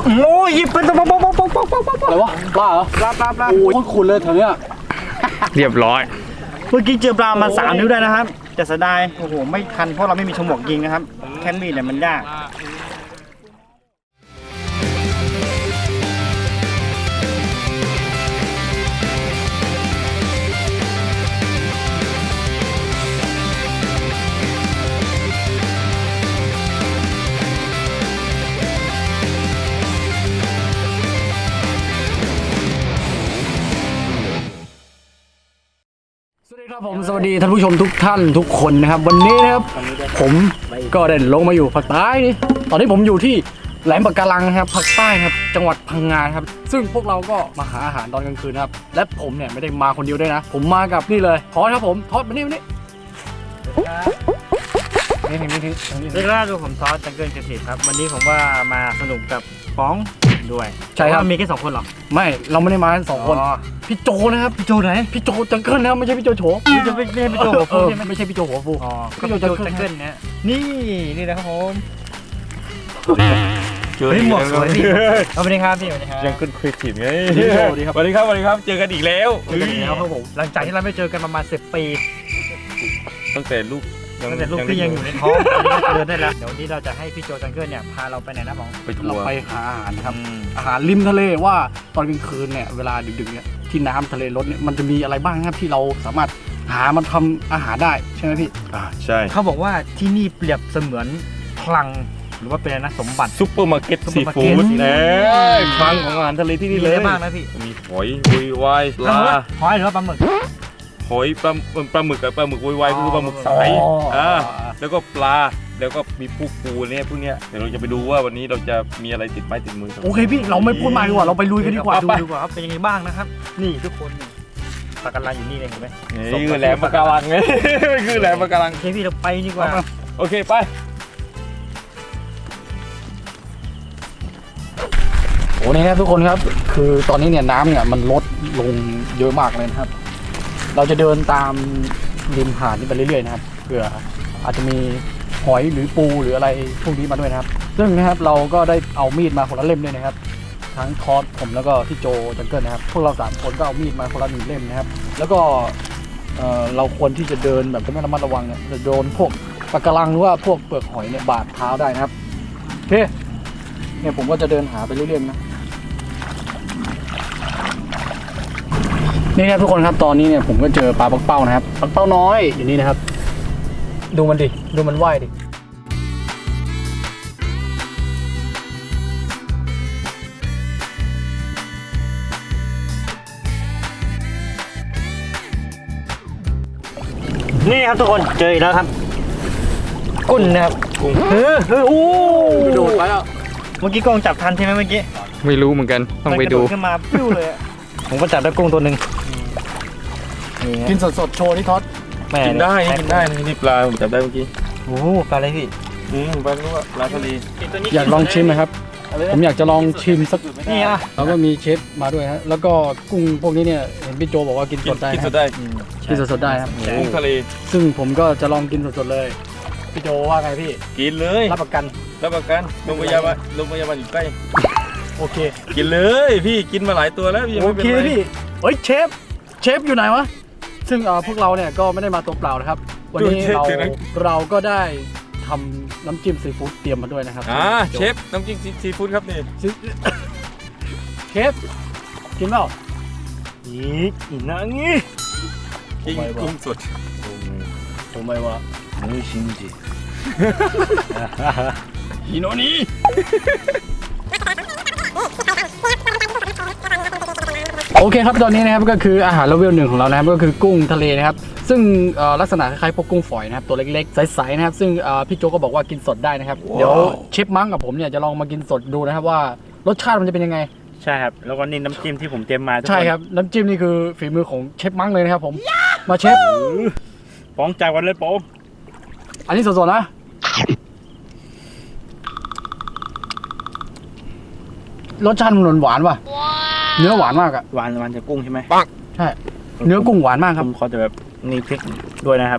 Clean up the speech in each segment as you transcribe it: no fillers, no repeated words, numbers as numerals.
โอ้ยหยิบเป็นตัวป๊อปอะไรวะปลาเหรอปลาโอ้ยขุนเลยแถวเนี้ยเรียบร้อยเมื่อกี้เจอปลามา3 นิ้วได้นะครับแต่เสียดายโอ้โหไม่ทันเพราะเราไม่มีฉมวกยิงนะครับแค่มีดเนี่ยมันยากผมสวัสดีท่านผู้ชมทุกท่านทุกคนนะครับวันนี้นะครับผมก็ได้ลงมาอยู่ภาคใต้นี่ตอนนี้ผมอยู่ที่แหลมปะการังนะครับภาคใต้นะครับจังหวัดพังงาครับซึ่งพวกเราก็มาหาอาหารตอนกลางคืนนะครับและผมเนี่ยไม่ได้มาคนเดียวด้วยนะผมมากับนี่เลยทอดครับผมทอดมานี่นี่ดูผมทอสจังเกิลเกษตรครับวันนี้ผมว่ามาสนุกกับฟ้องด้วยใช่ครับมีแค่2 คนหรอไม่เราไม่ได้มากัน2 คนพี่โจนะครับพี่โจไหนพี่โจจังเกิลนะครับไม่ใช่พี่โจโฉไม่ใช่พี่โจหัวฟูไม่ใช่พี่โจหัวฟูพี่โจจังเกิลเนี่ยนี่นะครับผมเฮ้ยหมวกสวยดิสวัสดีครับพี่สวัสดีครับจังเกิลครีเอทีฟไงสวัสดีครับเจอกันอีกแล้วครับผมหลังจากที่เราไม่เจอกันประมาณ10 ปีตั้งแต่ลูกพี่ยังอยู่ในท้องเดินได้แล้วเดี๋ยววันนี้เราจะให้พี่โจจังเกิลเนี่ยพาเราไปไหนนะหมอไปทัวร์ไปหาอาหารนะครับอาหารริมทะเลว่าตอนกลางคืนเนี่ยเวลาดึกๆเนี่ยที่น้ำทะเลลดเนี่ยมันจะมีอะไรบ้างครับที่เราสามารถหามาทำอาหารได้ใช่ไหมพี่ใช่เขาบอกว่าที่นี่เปรียบเสมือนคลังหรือว่าเป็นอะไรนะสมบัติซุปเปอร์มาร์เก็ตซีฟู้ดคลังของอาหารทะเลที่นี่เลยมากนะพี่มีหอยวุ้ยวายปลาหอยหรือว่าปลาหมึกหอยปลาหมึกกับปลาหมึกวุ้ยวายคือปลาหมึกสายแล้วก็ปลาแล้วก็มีพวกปูเนี่ยพวกเนี้ยเดี๋ยวเราจะไปดูว่าวันนี้เราจะมีอะไรติดไม้ติดมือโอเคพี่เราไม่พูดมากดีกว่าเราไปลุยกันดีกว่าดูดีกว่าครับเป็นยังไงบ้างนะครับนี่ทุกคนปะการังอยู่นี่เลยเห็นไหมนี่คือแหลมปะการังไงคือแหลมปะการังโอเคพี่เราไปดีกว่าโอเคไปโอ้นี่ครับทุกคนครับคือตอนนี้เนี่ยน้ำเนี่ยมันลดลงเยอะมากเลยนะครับเราจะเดินตามริมหาดนี้ไปเรื่อยๆนะครับเผื่ออาจจะมีหอยหรือปูหรืออะไรพวกนี้มาด้วยนะครับซึ่งนะครับเราก็ได้เอามีดมาคนละเล่มด้วยนะครับทั้งทอสผมแล้วก็พี่โจจังเกิลนะครับพวกเรา3 คนก็เอามีดมาคนละ1 เล่มนะครับแล้วก็เราควรที่จะเดินแบบไม่ระมัดระวังเนี่ยจะโดนพวกปะการังหรือว่าพวกเปลือกหอยเนี่ยบาดเท้าได้นะครับโอเคเนี่ยผมก็จะเดินหาไปเรื่อยๆนะนี่ครับทุกคนครับตอนนี้เนี่ยผมก็เจอปลาปักเป้านะครับปักเป้าน้อยอยู่นี่นะครับดูมันดิดูมันว่ายดินี่ครับทุกคนเจออีกแล้วครับกุ้งนะครับกุ้งโอ้กระโดดไปแล้วเมื่อกี้กล้องจับทันใช่ไหมเมื่อกี้ไม่รู้เหมือนกันต้องไปดูขึ้นมาปิ้วเลยผมก็จับได้กุ้งตัวหนึ่งกินสดๆโชว์ที่ทอดกินได้นี่ปลาผมจับได้เมื่อกี้โอ้ปลาอะไรพี่ปลาลูกปลาทะเลอยากลองชิมไหมครับผมอยากจะลองชิมสักนี่อ่ะแล้วก็มีเชฟมาด้วยฮะแล้วก็กุ้งพวกนี้เนี่ยเห็นพี่โจบอกว่ากินสดได้กินสดได้ครับกุ้งทะเลซึ่งผมก็จะลองกินสดๆเลยพี่โจว่าไงพี่กินเลยรับประกันโรงพยาบาลอยู่ใกล้โอเคกินเลยพี่กินมาหลายตัวแล้วโอเคพี่เฮ้ยเชฟอยู่ไหนวะซึ่งพวกเราเนี่ยก็ไม่ได้มาตัวเปล่านะครับวันนี้เราก็ได้ทำน้ำจิ้มซีฟู้ดเตรียมมาด้วยนะครับเชฟน้ำจิ้มซีฟู้ดครับนี่เชฟกินเปล่าอีนังงี้กุ้งสดทำไมวะไม่ชินจิฮิโนนิโอเคครับตอนนี้นะครับก็คืออาหารเลเวล 1ของเรานะครับก็คือกุ้งทะเลนะครับซึ่งลักษณะคล้ายๆพวกกุ้งฝอยนะครับตัวเล็กๆใสๆนะครับซึ่งพี่โจก็บอกว่ากินสดได้นะครับเดี๋ยวเชฟมั้งกับผมเนี่ยจะลองมากินสดดูนะครับว่ารสชาติมันจะเป็นยังไงใช่ครับแล้วก็นี่น้ำจิ้มที่ผมเตรียมมาใช่ครับน้ำจิ้มนี่คือฝีมือของเชฟมั้งเลยนะครับผมมาเชฟป้องจ่ายวันเลยโป้อันนี้สดๆนะรสชาติมันหวานว่ะเนื้อหวานมากอะหวานจากกุ้งใช่ไหมใช่เนื้อกุ้งหวานมากครับเขาจะแบบมีพริกด้วยนะครับ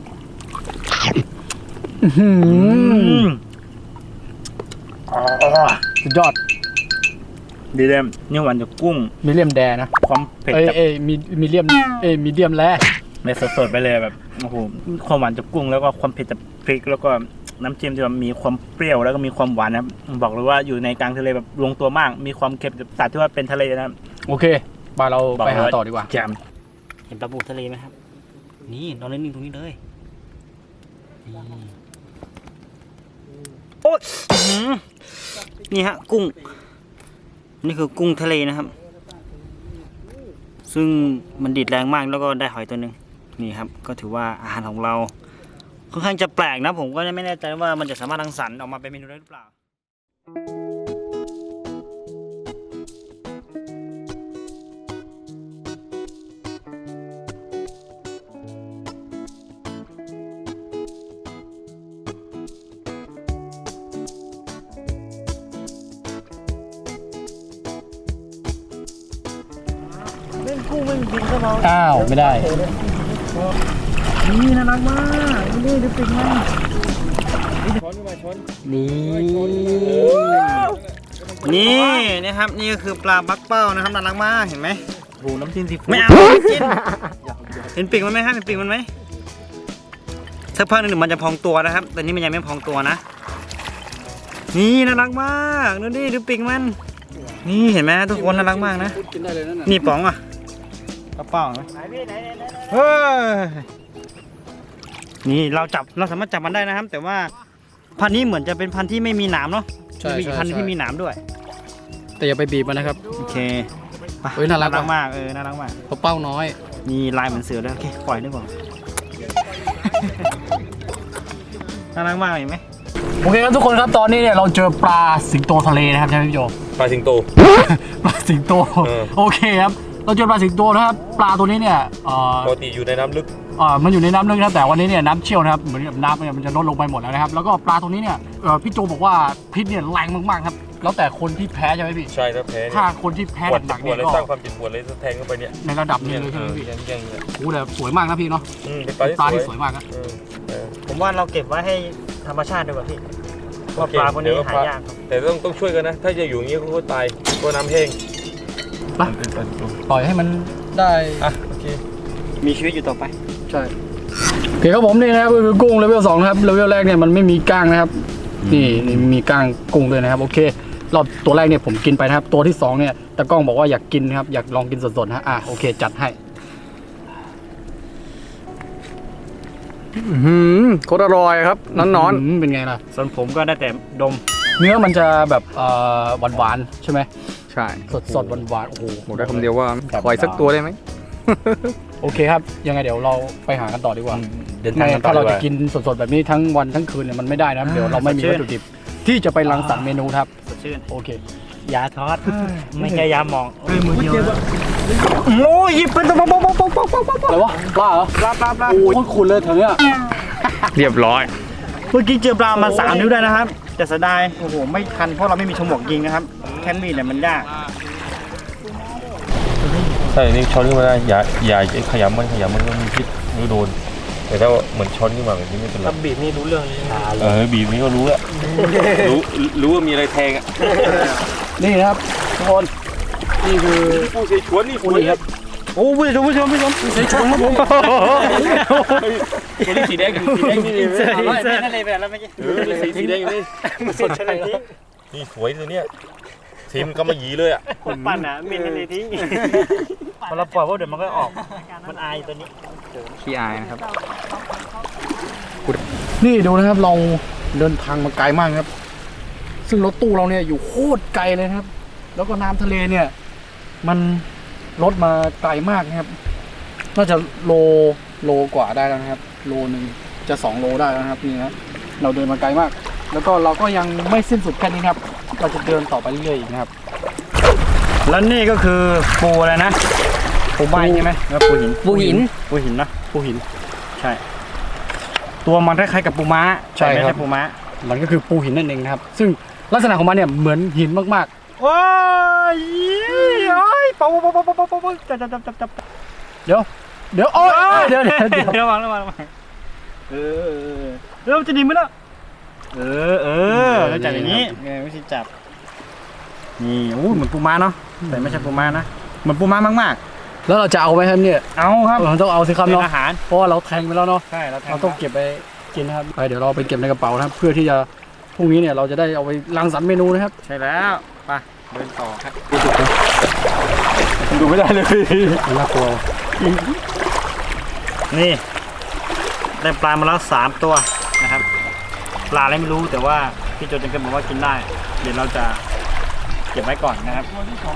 สุดยอดดีเดียมเนื้อหวานจากกุ้งมีเลียมแดนะความเผ็ดมีเลียมมีเดียมแลในสดๆไปเลยแบบโอ้โหความหวานจากกุ้งแล้วก็ความเผ็ดจากพริกแล้วก็น้ำจิ้มที่แบบมีความเปรี้ยวแล้วก็มีความหวานนะครับบอกเลยว่าอยู่ในกลางทะเลแบบลงตัวมากมีความเค็มจากสัตว์ที่ว่าเป็นทะเลนะครับโอเคไปเราไปหาต่อดีกว่าแจมเห็นปลาบูทะเลไหมครับนี่นอนนิ่งๆตรงนี้เลยโอ้ยนี่ฮะกุ้งนี่คือกุ้งทะเลนะครับซึ่งมันดีดแรงมากแล้วก็ได้หอยตัวหนึ่งนี่ครับก็ถือว่าอาหารของเราค่อนข้างจะแปลกนะผมก็ไม่แน่ใจว่ามันจะสามารถรังสรรค์ออกมาเป็นเมนูได้หรือเปล่าเล่นกุ้งไม่บินเข้ามาอ้าวไม่ได้นี่น่ารักมากนี่ดูปิงมันช้อนขึ้นมาช้อนนี่นะครับนี่ก็คือปลาบักเป้านะครับน่ารักมากเห็นไหมโอ้น้ำจิ้มซีฟู้ดไม่เอาไม่กินเห็นปีกมันไหมครับเห็นปีกมันไหมสักพักหนึ่งมันจะพองตัวนะครับแต่นี่มันยังไม่พองตัวนะนี่น่ารักมากดูดิดูปีกมันนี่เห็นไหมทุกคนน่ารักมากนะกินได้เลยนั่นน่ะนี่ป๋องอ่ะกระเป๋าไหมเฮ้ยนี่เราสามารถจับมันได้นะครับ แต่ว่าพันธุ์นี้เหมือนจะเป็นพันธุ์ที่ไม่มีหนามเนาะมีอีกพันธุ์ที่มีหนามด้วยแต่อย่าไปบีบมันนะครับโอเคไปเฮ้ยน่ารักมากน่ารักมากเพราะเป้าน้อยมีลายเหมือนเสือด้วยโอเคปล่อยดีกว่า น่ารักมากเห็นไหมโอเคครับทุกคนครับตอนนี้เนี่ยเราเจอปลาสิงโตทะเลนะครับใช่ไหมพี่โจปลาสิงโตปลาสิงโต โอเคครับเราเจอปลาสิงโตนะครับปลาตัวนี้เนี่ยปกติอยู่ในน้ำลึกมันอยู่ในน้ำลึกนะแต่วันนี้เนี่ยน้ำเชี่ยวนะครับเหมือนกับน้ำเนี่ยมันจะลดลงไปหมดแล้วนะครับแล้วก็ปลาตัวนี้เนี่ยพี่โจบอกว่าพิษเนี่ยแรงมากๆครับแล้วแต่คนที่แพ้ใช่ไหมพี่ใช่ถ้าแพ้ถ้าคนที่แพ้ปวดหนักๆปวเนี่ดยเลยก็สร้างความเจ็บปวดเลยแทงเข้าไปเนี่ยในระดับหนึงเลยใช่ไหมพี่ยังเนี่ยโอ้แต่สวยมากนะพี่เนาะเป็นปปลาลาที่ที่สสววย ยมากนะผมว่าเราเก็บไว้ให้ธรรมชาติดีกว่าพี่เพราะปลาพวกนี้หายากครับแต่ต้องช่วยกันนะ ถ้าจะอยู่อย่างนี้ก็ตายก็น้ำแห้งไปปล่อยให้มันได้อ่ะโอเคมีชีวิตอยู่ต่อไปใช่โอเคครับผมนี่นะครับก็คือกุ้งเลเวล2นะครับเลเวลแรกเนี่ยมันไม่มีก้างนะครับนี่มีก้างกุ้งด้วยนะครับโอเครอบตัวแรกเนี่ยผมกินไปนะครับตัวที่2เนี่ยตากล้องบอกว่าอยากกินนะครับอยากลองกินสดๆนะโอเคจัดให้โคตรอร่อยครับนอนๆเป็นไงล่ะส่วนผมก็ได้แต่ดมเนื้อมันจะแบบหวานๆใช่ไหมใช่สดๆหวานๆโอ้โหบอกได้คำเดียวว่าปล่อยสักตัวได้ไหมโอเคครับยังไงเดี๋ยวเราไปหากันต่อดีกว่าเดินทางไม่กันต่อถ้าเราดีกจะว่ากินสดๆแบบนี้ทั้งวันทั้งคืนเนี่ยมันไม่ได้นะครับเดี๋ยวเราไม่มีวัตถุดิบที่จะไปรังสรรค์เมนูครับสดชื่นโอเคยาทอดไม่ใช่ยาหมองมือเดียวโอ้ยหยิบเป็นตัวป๊อกอะไรวะปลาเหรอปลาโอ้ยขุนเลยแถวเนี้ยเรียบร้อยเมื่อกี้เจอปลามา3 นิ้วได้นะครับแต่เสียดายโอ้โหไม่ทันเพราะเราไม่มีฉมวกยิงนะครับแค่มีดเนี่ยมันยากใช่นี่ช้อนขึ้นมาได้อย่าขยำมันก็มีพิษไม่โดน แต่ถ้าเหมือนช้อนขึ้นมาแบบนี้ไม่เป็นไรถ้าบีบนี่รู้เรื่องเลยบีบนี้ก็รู้แล้วรู้ว่ามีอะไรแทงอ่ะนี่นะครับทุกคนนี่คือปูเสฉวนนี่ปูนี่ครับโอ้ผู้ชมใส่ชนครับผมตัวนี้สีแดงสีแดงนี่เลยเสื้อทะเลไปแล้วเมื่อกี้สีแดงอยู่นี่สดขนาดนี้นี่สวยตัวเนี้ยทีมก็มาหยีเลยอ่ะคนปั่นอ่ะมินทะเลทิ้งพอเราปล่อยพวกเดี๋ยวมันก็ออกมันอายตัวนี้ขี้อายนะครับนี่ดูนะครับเราเดินทางมาไกลมากครับ ซึ่งรถตู้เราเนี่ยอยู่โคตรไกลเลยนะครับ แล้วก็น้ำทะเลเนี่ย มันลดมาไกลมากนะครับ น่าจะโลกว่าได้แล้วนะครับ โลนึงจะ2 โลได้แล้วนะครับนี่นะเราเดินมาไกลมาก แล้วก็เราก็ยังไม่สิ้นสุดแค่นี้ครับ เราจะเดินต่อไปเรื่อยๆอีกนะครับแล้วนี่ก็คือปูอะไรนะปูใบใช่ไหมแล้วปูหินนะปูหินใช่ ตัวมันคล้ายๆกับปูม้าใช่ครับไม่ใช่ปูม้ามันก็คือปูหินนั่นเองนะครับ ซึ่งลักษณะของมันเนี่ยเหมือนหินมากว้ายโอ้ยปูจับๆเดี๋ยวโอ๊ยเดี๋ยวระวังเริ่มจะดีไหมล่ะแล้วจับอย่างนี้ไม่ใช่จับนี่โอ้เหมือนปูม้าเนาะแต่ไม่ใช่ปูม้านะเหมือนปูม้ามากแล้วเราจะเอาไหมครับเนี่ยๆเอาครับเราต้องเอาสิครับเป็นเนาะอาหารเพราะว่าเราแทงไปแล้วเนาะใช่เราเราต้องเก็บไปกินนะครับไปเดี๋ยวเราไปเก็บในกระเป๋านะครับ เพื่อที่จะพรุ่งนี้เนี่ยเราจะได้เอาไปรังสรรค์เมนูนะครับใช่แล้วไปเดินต่อครับดูไม่ได้เลยน่ากลัวนี่ได้ปลามาแล้ว3ตัวนะครับปลาอะไรไม่รู้แต่ว่าพี่โจจังเกิลบอกว่ากินได้เดี๋ยวเราจะเก็บไว้ก่อนนะครับ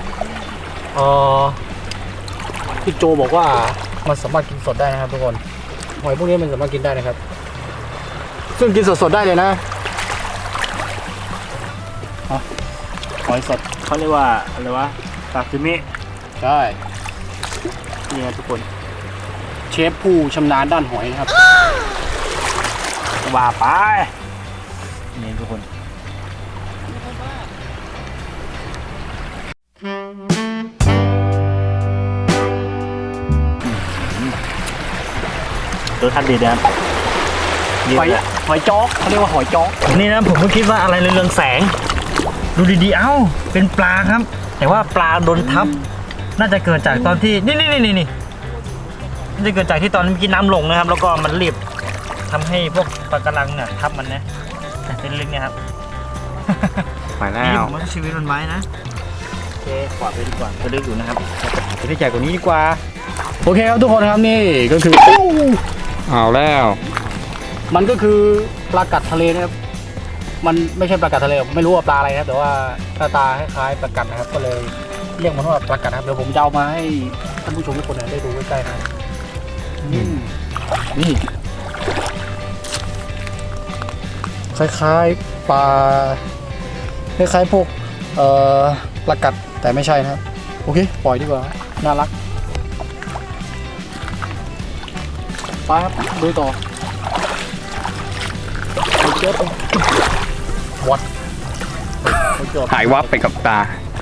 พี่โจบอกว่ามันสามารถกินสดได้นะครับทุกคนหอยพวกนี้มันสามารถกินได้นะครับ ซึ่งกินสดๆได้เลยนะหอยสดเขาเรียกว่าอะไรวะซาซิมิใช่นี่ครับทุกคน เชฟผู้ชำนาญด้านหอยนะครับว่าไปนี่ทุกคนรสชาติดีนะครับหอยจ๊อกเขาเรียกว่าหอยจ๊อกนี่นะผมก็คิดว่าอะไรเรืองแสง ดูดีๆเอ้าเป็นปลาครับ แต่ว่าปลาโดนทับ น่าจะเกิดจากตอนที่นี่น่าจะเกิดจากที่ตอนเมื่อกี้น้ำลงนะครับ แล้วก็มันรีบทำให้พวกปลากระลังเนี่ยทับมันนะแต่เป็นลึกเนี่ยครับไปแล้นี่วผมว่าชีวิตมันไว้นะโอเคกวาดไปดีกว่าจะลึกอยู่นะครับจะได้ใหญ่กว่านี้ดีกว่าโอเคครับทุกคนครับนี่ก็คือเอาแล้วมันก็คือปลากัดทะเลนะครับ มันไม่ใช่ปลากัดทะเลผมไม่รู้ว่าปลาอะไรนะครับแต่ว่าหน้าตาคล้ายๆปลากัดนะครับ ก็เลยเรียกมันว่าปลากัดนะครับเดี๋ยวผมจะเอามาให้ท่านผู้ชมทุกคนได้ดูใกล้ๆนะนี่คล้ายๆปลาคล้ายๆพวกปลากัดแต่ไม่ใช่นะครับโอเคปล่อยดีกว่าน่ารักไปครับดูต่อวัดหายวับไปกับตา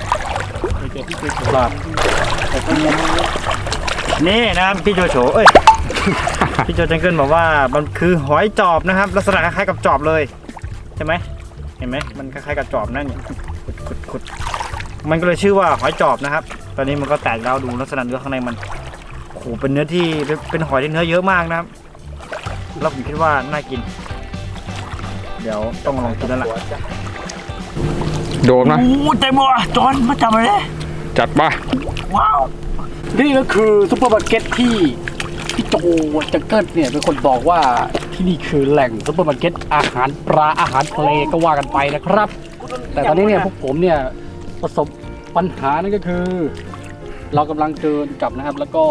นี่นะครับพี่โจโฉเอ้ย พี่โจจังเกิลบอกว่ามันคือหอยจอบนะครับ ลักษณะคล้ายๆกับจอบเลยใช่ไหมเห็นไหมมันคล้ายๆกับจอบนั่นเนี่ยขุดมันก็เลยชื่อว่าหอยจอบนะครับ ตอนนี้มันก็แตกแล้วดูลักษณะเนื้อข้างในมันโอ้โหเป็นเนื้อที่เป็นหอยที่เนื้อเยอะมากนะครับแล้วผมคิดว่าน่ากิน เดี๋ยวต้องลองกินแล้วล่ะโดนไหมโอ้ใจบัวจอนมาจับเลยจัดปะว้าวนี่ก็คือซุปเปอร์มาร์เก็ตที่พี่โจจังเกิลเนี่ยเป็นคนบอกว่าที่นี่คือแหล่งซุปเปอร์มาร์เก็ตอาหารปลาอาหารทะเลก็ว่ากันไปนะครับ แต่ตอนนี้เนี่ยพวกผมเนี่ยประสบปัญหานั่นก็คือ เรากำลังเดินกลับนะครับ แล้วก็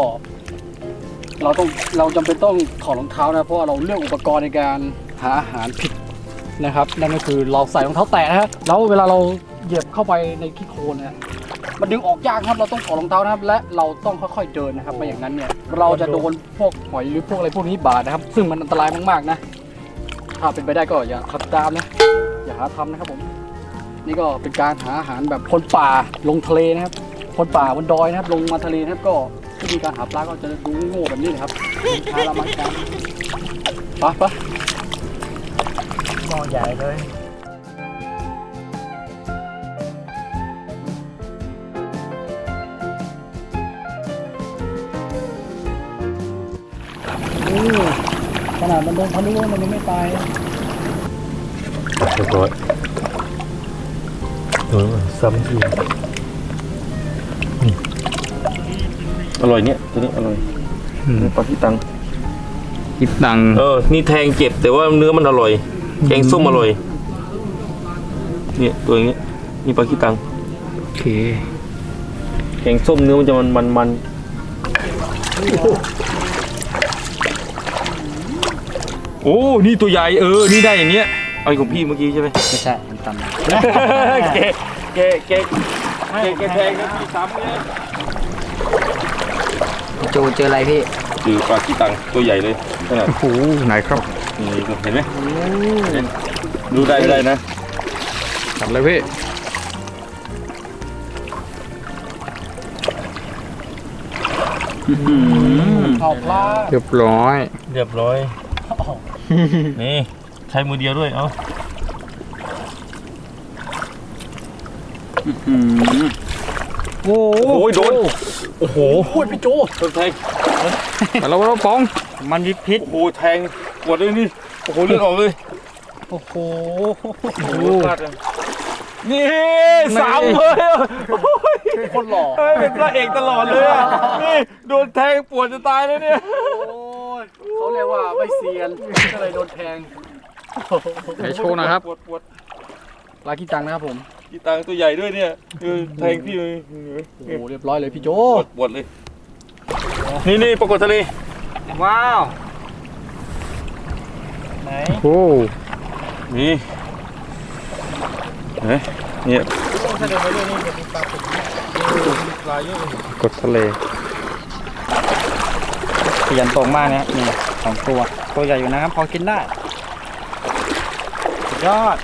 เราจำเป็นต้องถอดรองเท้านะเพราะว่าเราเลือกอุปกรณ์ในการหาอาหารผิดนะครับนั่นก็คือเราใส่รองเท้าแตะนะครับแล้วเวลาเราเหยียบเข้าไปในขี้โคลนนะมันดึงออกยากครับเราต้องถอดรองเท้านะครับ และเราต้องค่อยๆเดินนะครับไม่อย่างนั้นเนี่ยเราจะโดนพวกหอยหรือพวกอะไรพวกนี้บาดนะครับ ซึ่งมันอันตรายมากๆนะถ้าเป็นไปได้ก็อย่าขับตามนะอย่าหาทำนะครับผมนี่ก็เป็นการหาอาหารแบบคนป่าลงทะเลนะครับคนป่าบนดอยนะครับลงมาทะเลนะครับก็วิธีการหาปลาก็จะดูโง่แบบนี้นะครับช้าละมั้งกันไปหม้อใหญ่เลยขนาดมันโดนทะลุมันยังไม่ตายเรียบร้อยซ้ำทีอร่อยเนี่ยตัวนี้อร่อยปลาที่ตังคิดตังค์นี่แทงเจ็บแต่ว่าเนื้อมันอร่อยแกงส้มอร่อยเนี่ยตัวอย่างนี้นี่ปลาขี้ตังโอเคแกงส้มเนื้อมันจะมันโอ้นี่ตัวใหญ่นี่ได้อย่างเงี้ยเอาของพี่เมื่อกี้ใช่ไหมไม่ใช่มันตันแกแทงนะพี่ซ้ำเนี่ยโจเจออะไรพี่คือปลาขี้ตังตัวใหญ่เลยขนาดโอ้โหไหนครับนี่เห็นไหมดูได้นะจับเลยพี่เอาปลาเรียบร้อยเรียบร้อย นี่ใช้มือเดียวด้วยโอ้โอ้ยโดนโอ้โหพี่โจโดนแทงมาแล้วปองมันมีพิษโอ้โหแทงปวดเลยนี่โอ้โหเลือดออกเลยโอ้โหโอ้โหพลาดเลยนี่สามเลยโอ้ยคนหล่อเป็นพระเอกตลอดเลยอ่ะนี่โดนแทงปวดจะตายเลยเนี่ยเขาเรียกว่าไม่เซียนก็เลยโดนแทงไหนโชว์หนะครับปวดปวดปลาขี้จังนะครับผมกีตังตัวใหญ่ด้วยเนี่ยแทงพี่เลยโอ้โหเรียบร้อยเลยพี่โจปวดเลยนี่ปรากฏทะเลว้าวไหนโอ้นี่เฮ้ยเนี่ยทะเลไปเรื่อยนี่จะมีปลาติดปลาเยอะเลยกดทะเลขยันตกมากนะนี่2 ตัวใหญ่อยู่นะครับพอกินได้สุดยอด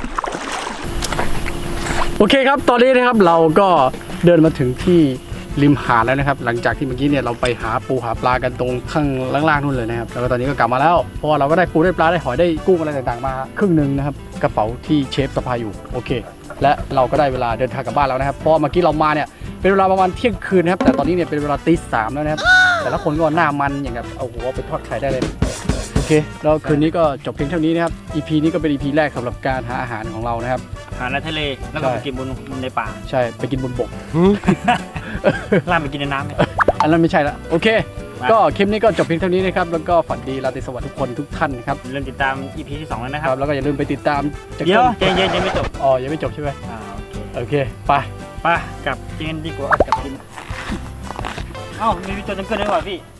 โอเคครับตอนนี้นะครับเราก็เดินมาถึงที่ริมหาดแล้วนะครับหลังจากที่เมื่อกี้เนี่ยเราไปหาปูหาปลากันตรงข้างล่างๆนู่นเลยนะครับแล้วก็ตอนนี้ก็กลับมาแล้วเพราะว่าเราก็ได้ปูได้ปลาได้หอยได้กุ้งอะไรต่างๆมาครึ่งหนึ่งนะครับกระเป๋าที่เชฟสะพายอยู่โอเค และเราก็ได้เวลาเดินทางกลับบ้านแล้วนะครับเพราะเมื่อกี้เรามาเนี่ยเป็นเวลาประมาณเที่ยงคืนนะครับแต่ตอนนี้เนี่ยเป็นเวลาตี 3แล้วนะครับแต่ละคนก็หน้ามันอย่างแบบเอาหัวไปทอดไข่ได้เลยโอเคแล้วคืนนี้ก็จบเพียงเท่านี้นะครับ EP นี้ก็เป็น EP แรกสำหรับการหาอาหารของเรานะครับหาในทะเลแล้วก็ไปกินบนในป่าใช่ไปกินบนบกล่ามไปกินในน้ำเนี่ยอันนั้นไม่ใช่ละโอเค ก็คลิปนี้ก็จบเพียงเท่านี้นะครับแล้วก็ฝันดีราตรีสวัสดิ์ทุกคนทุกท่านนะครับเริ่มติดตาม EP ที่ 2 แล้วนะคครัรับบแล้วก็อย่าลืมไปติดตามจากเดี๋ยวต้นใจเย็นยังไม่จบอ๋อยังไม่จบใช่ไหมโอเคโอเคไปไปกลับกินดีกว่ากับกินเอ้ามีวิจารณ์จังเกิลด้วยว่ะพี่